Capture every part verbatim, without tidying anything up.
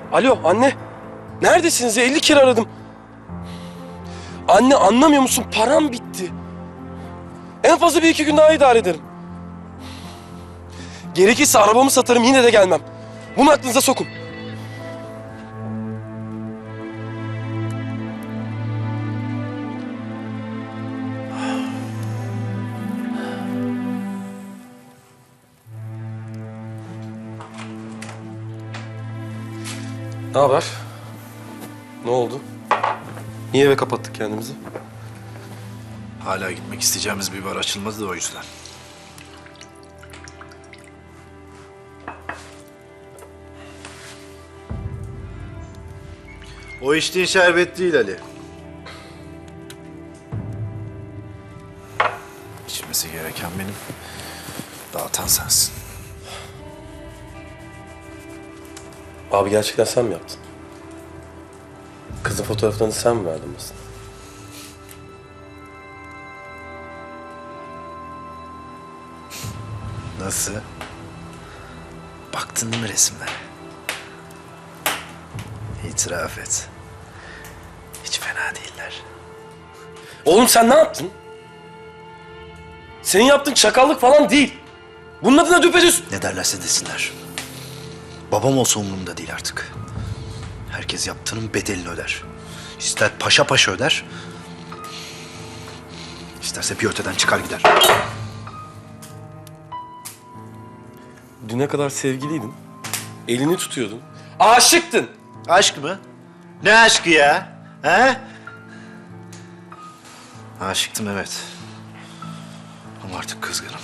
Alo anne. Neredesiniz ya? elli kere aradım. Anne anlamıyor musun? Param bitti. En fazla bir iki gün daha idare ederim. Gerekirse arabamı satarım, yine de gelmem. Bunu aklınıza sokun. Ne haber? Ne oldu? Niye eve kapattık kendimizi? Hala gitmek isteyeceğimiz bir bar açılmadı da o yüzden. O içtiğin şerbet değil Ali. İçmesi gereken benim. Dağıtan sensin. Abi gerçekten sen mi yaptın? Kızın fotoğraflarını sen mi verdin basına? Nasıl? Baktın mı resimlere? İtiraf et. Hiç fena değiller. Oğlum sen ne yaptın? Senin yaptığın çakallık falan değil. Bunun adına düpedüz. Ne derlerse desinler. Babam olsa umurumda değil artık. Herkes yaptığının bedelini öder. İster paşa paşa öder, isterse bir öteden çıkar gider. Düne kadar sevgiliydin. Elini tutuyordun. Aşıktın. Aşk mı? Ne aşkı ya? He? Aşıktım evet. Ama artık kızgınım.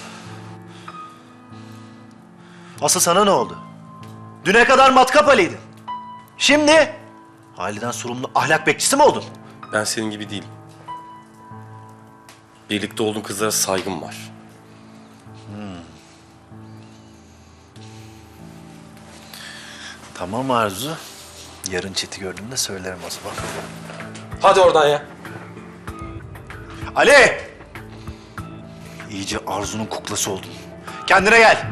Asıl sana ne oldu? Düne kadar matkap Ali'ydin. Şimdi aileden sorumlu ahlak bekçisi mi oldun? Ben senin gibi değilim. Birlikte olduğun kızlara saygım var. Tamam Arzu. Yarın Çet'i gördüğümde söylerim o zaman. Hadi oradan ya. Ali! İyice Arzu'nun kuklası oldun. Kendine gel.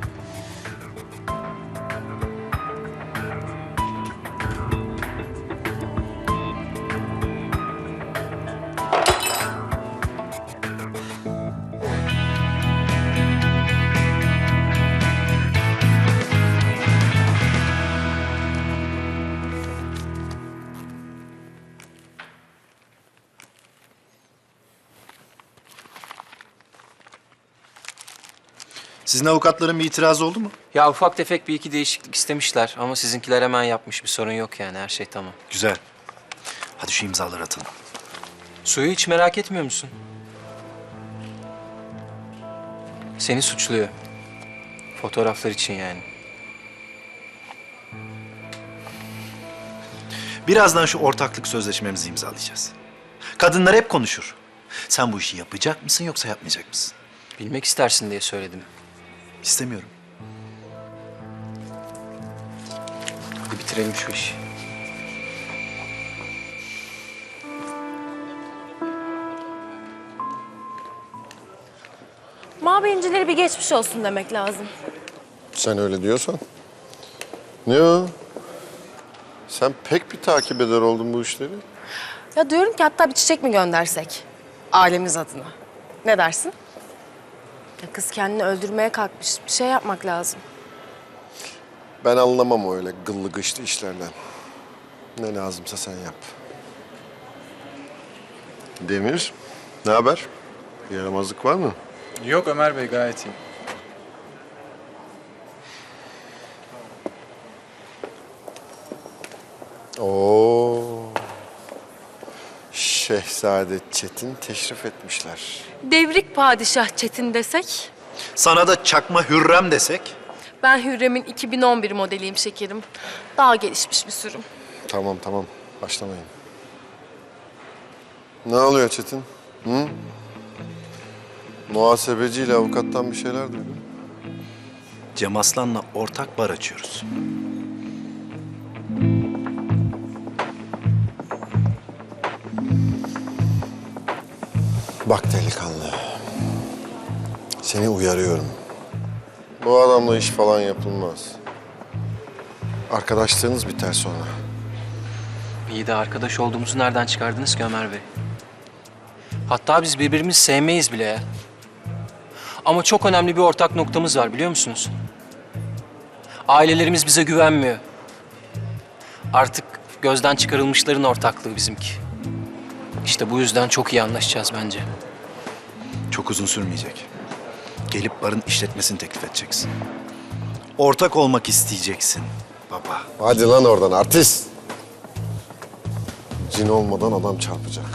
Sizin avukatların bir itirazı oldu mu? Ya ufak tefek bir iki değişiklik istemişler ama sizinkiler hemen yapmış. Bir sorun yok yani, her şey tamam. Güzel. Hadi şu imzaları atalım. Suyu hiç merak etmiyor musun? Seni suçluyor. Fotoğraflar için yani. Birazdan şu ortaklık sözleşmemizi imzalayacağız. Kadınlar hep konuşur. Sen bu işi yapacak mısın yoksa yapmayacak mısın? Bilmek istersin diye söyledim. İstemiyorum. Hadi bitirelim şu işi. Mabeyinçilere bir geçmiş olsun demek lazım. Sen öyle diyorsan. Ne o? Sen pek bir takip eder oldun bu işleri. Ya diyorum ki hatta bir çiçek mi göndersek? Ailemiz adına. Ne dersin? Ya kız kendini öldürmeye kalkmış. Bir şey yapmak lazım. Ben anlamam öyle gıllı gışlı işlerden. Ne lazımsa sen yap. Demir, ne haber? Bir yaramazlık var mı? Yok Ömer Bey, gayet iyi. Oo. Şehzade Çetin teşrif etmişler. Devrik padişah Çetin desek? Sana da çakma Hürrem desek? Ben Hürrem'in iki bin on bir modeliyim şekerim. Daha gelişmiş bir sürüm. Tamam tamam, başlamayın. Ne oluyor Çetin? Hı? Muhasebeciyle avukattan bir şeyler duydum. Cem Aslan'la ortak bar açıyoruz. Bak delikanlı, seni uyarıyorum. Bu adamla iş falan yapılmaz. Arkadaşlığınız biter sonra. İyi de arkadaş olduğumuzu nereden çıkardınız ki Ömer Bey? Hatta biz birbirimizi sevmeyiz bile ya. Ama çok önemli bir ortak noktamız var biliyor musunuz? Ailelerimiz bize güvenmiyor. Artık gözden çıkarılmışların ortaklığı bizimki. İşte bu yüzden çok iyi anlaşacağız bence. Çok uzun sürmeyecek. Gelip barın işletmesini teklif edeceksin. Ortak olmak isteyeceksin baba. Hadi lan oradan artist. Cin olmadan adam çarpacak.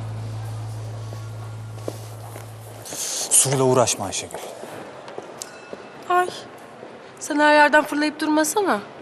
Suyla uğraşma Ayşegül. Ay. Sen her yerden fırlayıp durmasana.